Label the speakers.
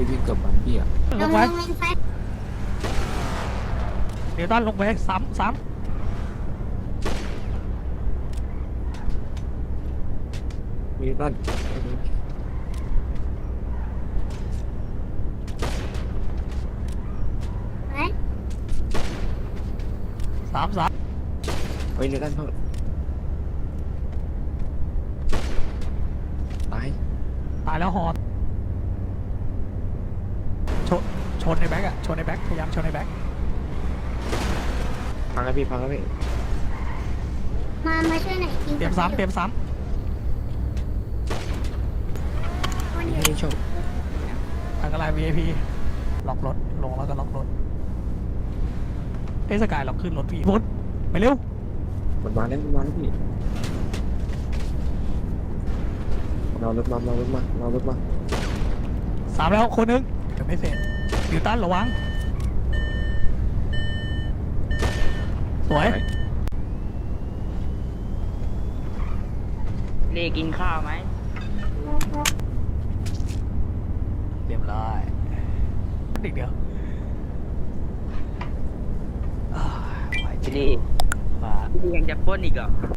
Speaker 1: ยิงเกือบบันพี่อ่ะ
Speaker 2: ลงไว้เดี๋ยวด้านลงไปซ้ำ
Speaker 1: มีด้าน
Speaker 2: สาม
Speaker 1: เฮ้ยในด้านเขาตาย
Speaker 2: ตายแล้วหอดชนในแบ็กอะชนในแบ็กพยายามชนในแบ็ก
Speaker 1: พังแล้วพี่พังแล้วพี่
Speaker 3: มาช่วยหน่อยจริง
Speaker 2: เตรียมซ้ำ
Speaker 1: ไม่ได้ชอบ
Speaker 2: อันตราย VIP ล็อกรถลงแล้วก็ล็อกรถสกายเราขึ้นรถพี่ฟุตไปเร็ว
Speaker 1: มันมาแล้วพี่เรารถมา
Speaker 2: สามแล้วคนนึงเดี๋ยวไม่เสร็จดิวตันระวังสวย
Speaker 4: เลกินข้าวไหม
Speaker 2: เรียบร้อยอีกเดียวไหว
Speaker 4: พี่เล
Speaker 2: มา
Speaker 4: พี่ยังจะปล้นอีกเหรอ